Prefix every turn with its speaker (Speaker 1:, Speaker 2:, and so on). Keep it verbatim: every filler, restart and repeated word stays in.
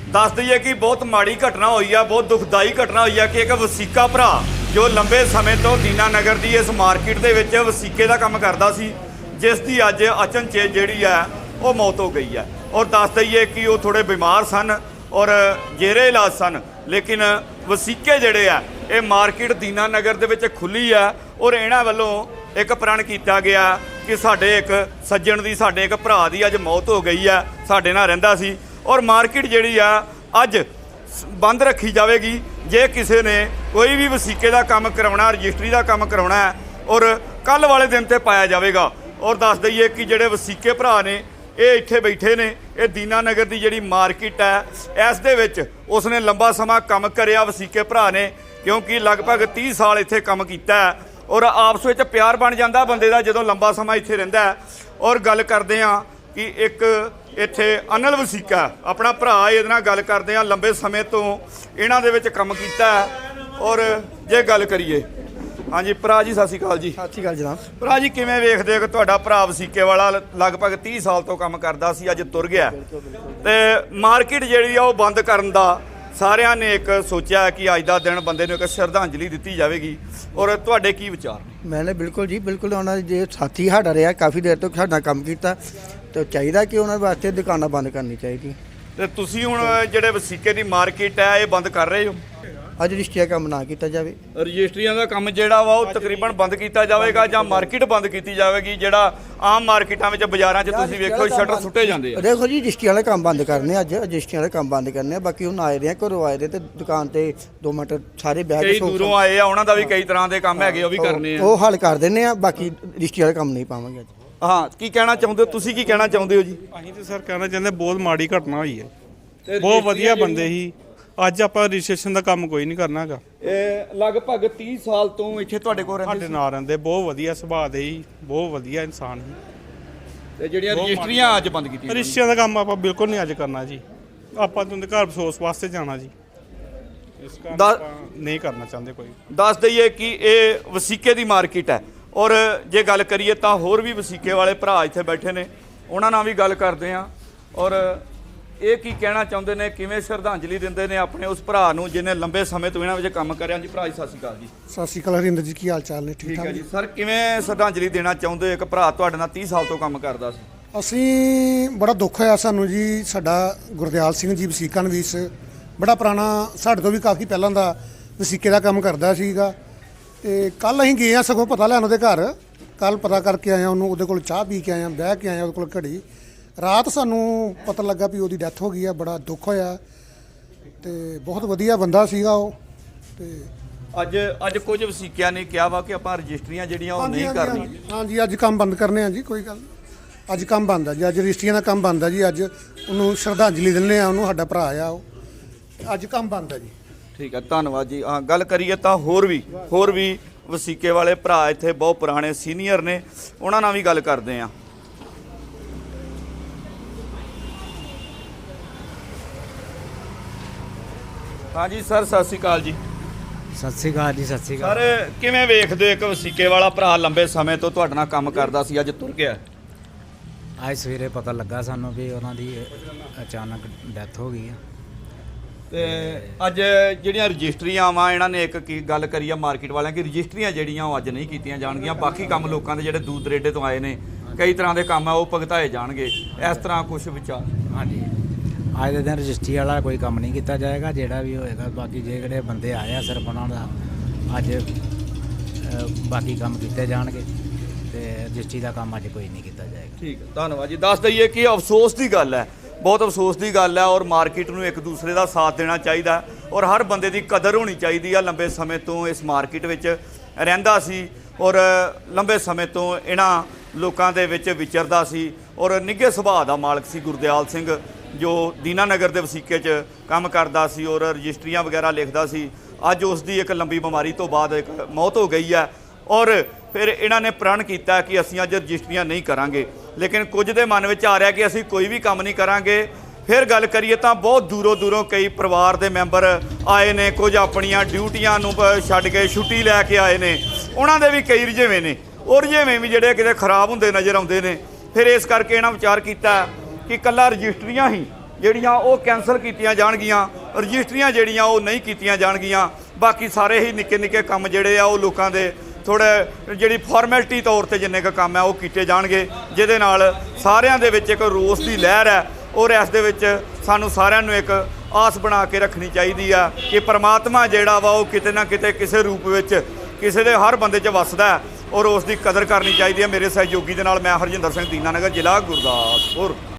Speaker 1: दस दईए कि बहुत माड़ी घटना हुई है, बहुत दुखदाई घटना हुई है कि एक वसीका भरा जो लंबे समय तो दीनानगर की इस मार्केट के विच वसीके का काम करता सी, जिस की अज अचनचेत जिहड़ी है वो मौत हो गई है। और दस दईए कि वो थोड़े बीमार सन और जेरे इलाज सन, लेकिन वसीके जिहड़े आ ये मार्केट दीनानगर दे विच खुली है और इन्हां वल्लों एक प्रण किया गया कि साडे एक सज्जण दी साडे एक भरा दी अज मौत हो गई है, साडे नाल रहिंदा सी और मार्केट जिहड़ी आ अज बंद रखी जाएगी। जे किसी ने कोई भी वसीके का काम करवाना, रजिस्ट्री का काम करवाना है और कल वाले दिन ते पाया जाएगा। और दस दईए कि जिहड़े वसीके भरा ने ये इत्थे बैठे ने, ये दीनानगर की जिहड़ी मार्केट है इस दे विच उसने लंबा समा काम करिया वसीके भरा ने, क्योंकि लगभग तीस साल इत्थे काम कीता है और आपस में प्यार बन जाता बंदे का जदों लंबा समा इत्थे रहिंदा है। और गल करते हैं कि एक इत्थे अनिल वसीका अपना भरा इहदे नाल गल करते हैं, लंबे समय तो इन्हां दे विच काम कीता है। और जे गल करिए, हाँ जी भरा जी सत श्री अकाल जी।
Speaker 2: सत श्री अकाल जनाब।
Speaker 1: भरा जी किवें वेखदे हो कि तुहाडा भरा वसीके वाला लगभग तीस साल तो काम करदा सी, अज तुर गया ते मार्केट जिहड़ी आ ओह बंद करन दा सारिਆਂ ने एक सोचा कि अज का दिन बंदे नूं एक श्रद्धांजलि दी जाएगी। और तुहाडे की विचार ने?
Speaker 2: मैंने बिल्कुल जी बिल्कुल उन्होंने जो साथी साडा रहा काफ़ी देर तो साडा काम किया तो चाहिए कि उन्होंने वास्ते दुकानें बंद करनी चाहिए।
Speaker 1: ते तुसीं हुण जिहड़े वसीके दी मार्केट है ये बंद कर रहे हो?
Speaker 2: अज रजिस्ट्री काम ना किया जाए,
Speaker 1: रजिस्ट्रियां का काम जिहड़ा वा ओह तकरीबन बंद किया जाएगा जां मार्केट बंद की जाएगी? जिहड़ा आम मार्केटां विच बाज़ारां 'च तुसीं वेखो शटर सुट्टे जांदे आ।
Speaker 2: देखो जी रजिस्ट्री वाले काम बंद करने अज रजिस्ट्री वाले काम बंद करने, बाकी हुण आए दे घरों आए दे ते दुकान ते दो मिनट सारे बैठ
Speaker 1: कई दूरों आए आ, उन्हां दा भी कई तरह के काम हैगे, ओह भी करने आ,
Speaker 2: वो हल कर देने आ, बाकी रजिस्ट्री वाले काम नहीं पावांगे।
Speaker 1: हाँ की कहना चाहुंदे हो तुसीं, की कहना चाहुंदे हो जी?
Speaker 3: ਅਸੀਂ ਤਾਂ ਸਰ ਕਹਿਣਾ ਚਾਹੁੰਦੇ ਬਹੁਤ ਮਾੜੀ ਘਟਨਾ ਹੋਈ ਹੈ, ਬਹੁਤ ਵਧੀਆ ਬੰਦੇ ਸੀ, ਅੱਜ ਆਪਾਂ ਰਜਿਸਟ੍ਰੇਸ਼ਨ ਦਾ ਕੰਮ ਕੋਈ ਨਹੀਂ ਕਰਨਾ ਹੈਗਾ।
Speaker 1: ਇਹ ਲਗਭਗ तीस ਸਾਲ ਤੋਂ ਇੱਥੇ ਤੁਹਾਡੇ ਕੋਲ ਰਹਿੰਦੇ
Speaker 3: ਸਾਡੇ ਨਾਲ ਰਹਿੰਦੇ, ਬਹੁਤ ਵਧੀਆ ਸੁਭਾਅ ਦੇ ਸੀ, ਬਹੁਤ ਵਧੀਆ ਇਨਸਾਨ ਸੀ।
Speaker 1: ਤੇ ਜਿਹੜੀਆਂ ਰਜਿਸਟਰੀਆਂ ਅੱਜ ਬੰਦ ਕੀਤੀਆਂ,
Speaker 3: ਰਜਿਸਟਰੀਆਂ ਦਾ ਕੰਮ ਆਪਾਂ ਬਿਲਕੁਲ ਨਹੀਂ ਅੱਜ ਕਰਨਾ ਜੀ, ਆਪਾਂ ਤੁਹਾਡੇ ਘਰ ਅਫਸੋਸ ਵਾਸਤੇ ਜਾਣਾ ਜੀ, ਇਸ ਕਾਰਨ ਆਪਾਂ ਨਹੀਂ ਕਰਨਾ ਚਾਹੁੰਦੇ ਕੋਈ।
Speaker 1: ਦੱਸ ਦਈਏ ਕਿ ਇਹ ਵਸੀਕੇ ਦੀ ਮਾਰਕੀਟ ਹੈ ਔਰ ਜੇ ਗੱਲ ਕਰੀਏ ਤਾਂ ਹੋਰ ਵੀ ਵਸੀਕੇ ਵਾਲੇ ਭਰਾ ਇੱਥੇ ਬੈਠੇ ਨੇ, ਉਹਨਾਂ ਨਾਲ ਵੀ ਗੱਲ ਕਰਦੇ ਹਾਂ। ਔਰ ਇਹ ਕੀ ਕਹਿਣਾ ਚਾਹੁੰਦੇ ਨੇ, ਕਿਵੇਂ ਸ਼ਰਧਾਂਜਲੀ ਦਿੰਦੇ ਨੇ ਆਪਣੇ ਉਸ ਭਰਾ ਨੂੰ ਜਿਹਨੇ ਲੰਬੇ ਸਮੇਂ ਤੋਂ ਇਹਨਾਂ ਵਿੱਚ ਕੰਮ ਕਰਿਆ। ਜੀ ਭਰਾ ਜੀ ਸਤਿ ਸ਼੍ਰੀ ਅਕਾਲ ਜੀ।
Speaker 4: ਸਤਿ ਸ਼੍ਰੀ ਅਕਾਲ ਹਰਿੰਦਰ ਜੀ, ਕੀ ਹਾਲ ਚਾਲ ਨੇ? ਠੀਕ
Speaker 1: ਠੀਕ ਹੈ
Speaker 4: ਠਾਕ
Speaker 1: ਜੀ। ਸਰ ਕਿਵੇਂ ਸ਼ਰਧਾਂਜਲੀ ਦੇਣਾ ਚਾਹੁੰਦੇ ਹੋ ਇੱਕ ਭਰਾ ਤੁਹਾਡੇ ਨਾਲ तीस ਸਾਲ ਤੋਂ ਕੰਮ ਕਰਦਾ ਸੀ?
Speaker 4: ਅਸੀਂ ਬੜਾ ਦੁੱਖ ਹੋਇਆ ਸਾਨੂੰ ਜੀ, ਸਾਡਾ ਗੁਰਦਿਆਲ ਸਿੰਘ ਜੀ ਵਸੀਕਾ ਨਵੀਸ ਬੜਾ ਪੁਰਾਣਾ, ਸਾਡੇ ਤੋਂ ਵੀ ਕਾਫੀ ਪਹਿਲਾਂ ਦਾ ਵਸੀਕੇ ਦਾ ਕੰਮ ਕਰਦਾ ਸੀਗਾ। ਤੇ ਕੱਲ ਅਸੀਂ ਗਏ ਆ ਸਗੋਂ ਪਤਾ ਲੈਣ ਉਹਦੇ ਘਰ, ਕੱਲ ਪਤਾ ਕਰਕੇ ਆਏ ਆ ਉਹਨੂੰ, ਉਹਦੇ ਕੋਲ ਚਾਹ ਪੀ ਕੇ ਆਏ ਆ, ਬਹਿ ਕੇ ਆਏ ਆ ਉਹਦੇ ਕੋਲ ਘੜੀ। ਰਾਤ ਸਾਨੂੰ ਪਤਾ ਲੱਗਾ ਵੀ ਉਹਦੀ ਡੈਥ ਹੋ ਗਈ ਆ, ਬੜਾ ਦੁੱਖ ਹੋਇਆ ਤੇ ਬਹੁਤ ਵਧੀਆ ਬੰਦਾ ਸੀਗਾ ਉਹ। ਤੇ
Speaker 1: ਅੱਜ ਅੱਜ ਕੁਝ ਵਸੀਕਿਆਂ ਨੇ ਕਿਹਾ ਵਾ ਕਿ ਆਪਾਂ ਰਜਿਸਟਰੀਆਂ ਜਿਹੜੀਆਂ ਉਹ ਨਹੀਂ ਕਰਨੀਆਂ।
Speaker 4: ਹਾਂਜੀ ਅੱਜ ਕੰਮ ਬੰਦ ਕਰਨੇ ਆ ਜੀ, ਕੋਈ ਗੱਲ ਨਹੀਂ, ਅੱਜ ਕੰਮ ਬੰਦ ਆ ਜੀ, ਅੱਜ ਰਜਿਸਟਰੀਆਂ ਦਾ ਕੰਮ ਬੰਦ ਆ ਜੀ, ਅੱਜ ਉਹਨੂੰ ਸ਼ਰਧਾਂਜਲੀ ਦਿੰਦੇ ਆ, ਉਹਨੂੰ ਸਾਡਾ ਭਰਾ ਆ ਉਹ, ਅੱਜ ਕੰਮ ਬੰਦ ਆ ਜੀ।
Speaker 1: ਠੀਕ ਹੈ, ਧੰਨਵਾਦ ਜੀ। ਹਾਂ ਗੱਲ ਕਰੀਏ ਤਾਂ ਹੋਰ ਵੀ ਹੋਰ ਵੀ ਵਸੀਕੇ ਵਾਲੇ ਭਰਾ ਇੱਥੇ ਬਹੁਤ ਪੁਰਾਣੇ ਸੀਨੀਅਰ ਨੇ, ਉਹਨਾਂ ਨਾਲ ਵੀ ਗੱਲ ਕਰਦੇ ਹਾਂ। हाँ जी सर सत श्री अकाल जी।
Speaker 5: सत श्री अकाल जी। सत श्री अकाल
Speaker 1: सर किवें वेखदे हो एक वसीके वाला भरा लंबे समय तो तुहाडे नाल काम करदा सी, अज तुर गया?
Speaker 5: आज सवेरे पता लगा सानू भी उन्हां दी अचानक डैथ हो गई है।
Speaker 1: ते अज जिहड़ियां रजिस्ट्रियां वा इन्हां ने एक की गल करी आ मार्केट वालियां कि रजिस्ट्रियां जिहड़ियां ओह अज नहीं कीतियां जाणगीਆਂ, बाकी काम लोकां दे जिहड़े दूर दरेडे तो आए ने कई तरह के काम है वो भुगताए जाणगे, इस तरह कुछ विचार?
Speaker 5: हाँ जी, अज के दिन रजिस्ट्री वाला कोई काम नहीं किया जाएगा, जोड़ा भी होएगा। बाकी जो जोड़े बंदे आए हैं सिर्फ उन्होंने अज बाकी काम किए जाएंगे तो रजिस्ट्री का काम अज कोई नहीं किया जाएगा।
Speaker 1: ठीक है, धन्यवाद जी। दस दईए कि अफसोस की गल है, बहुत अफसोस की गल है और मार्केट में एक दूसरे का साथ देना चाहिए और हर बंदे की कदर होनी चाहिए है। लंबे समय तो इस मार्केट में रहिंदा सी और लंबे समय तो इन्हां लोकां दे विच विचरदा सी और निघे सुभाਅ का मालक सी गुरदयाल सिंह, जो दीनानगर के वसीके च काम करदा सी और रजिस्ट्रियां वगैरह लिखदा सी। अज उसकी एक लंबी बीमारी तो बाद एक मौत हो गई है और फिर इन्हां ने प्रण किया कि असीं अज रजिस्ट्रियां नहीं करांगे, लेकिन कुछ दे मन में आ रहा कि असीं कोई भी काम नहीं करांगे। फिर गल करिए तो बहुत दूरों दूरों कई परिवार के मैंबर आए ने, कुछ अपनियां ड्यूटियां नूं छड्ड के छुट्टी लैके आए ने, उन्हां दे भी कई रजेवें ने और रजेवें भी जिहड़े किते खराब हुंदे नज़र आउंदे ने। फिर इस करके इन्हां विचार किया कि कल्ला रजिस्ट्रियां ही ਜਿਹੜੀਆਂ ਉਹ ਕੈਂਸਲ ਕੀਤੀਆਂ ਜਾਣਗੀਆਂ, ਰਜਿਸਟਰੀਆਂ ਜਿਹੜੀਆਂ ਉਹ ਨਹੀਂ ਕੀਤੀਆਂ ਜਾਣਗੀਆਂ। ਬਾਕੀ ਸਾਰੇ ਹੀ ਨਿੱਕੇ ਨਿੱਕੇ ਕੰਮ ਜਿਹੜੇ ਆ ਉਹ ਲੋਕਾਂ ਦੇ ਥੋੜ੍ਹੇ ਜਿਹੜੀ ਫਾਰਮੈਲਿਟੀ ਤੌਰ 'ਤੇ ਜਿੰਨੇ ਕੁ ਕੰਮ ਹੈ ਉਹ ਕੀਤੇ ਜਾਣਗੇ, ਜਿਹਦੇ ਨਾਲ ਸਾਰਿਆਂ ਦੇ ਵਿੱਚ ਇੱਕ ਰੋਸ ਦੀ ਲਹਿਰ ਹੈ। ਔਰ ਇਸ ਦੇ ਵਿੱਚ ਸਾਨੂੰ ਸਾਰਿਆਂ ਨੂੰ ਇੱਕ ਆਸ ਬਣਾ ਕੇ ਰੱਖਣੀ ਚਾਹੀਦੀ ਆ ਕਿ ਪਰਮਾਤਮਾ ਜਿਹੜਾ ਵਾ ਉਹ ਕਿਤੇ ਨਾ ਕਿਤੇ ਕਿਸੇ ਰੂਪ ਵਿੱਚ ਕਿਸੇ ਦੇ ਹਰ ਬੰਦੇ 'ਚ ਵੱਸਦਾ ਔਰ ਉਸ ਦੀ ਕਦਰ ਕਰਨੀ ਚਾਹੀਦੀ ਹੈ। ਮੇਰੇ ਸਹਿਯੋਗੀ ਦੇ ਨਾਲ ਮੈਂ ਹਰਜਿੰਦਰ ਸਿੰਘ ਦੀਨਾਨਗਰ, ਜ਼ਿਲ੍ਹਾ ਗੁਰਦਾਸਪੁਰ।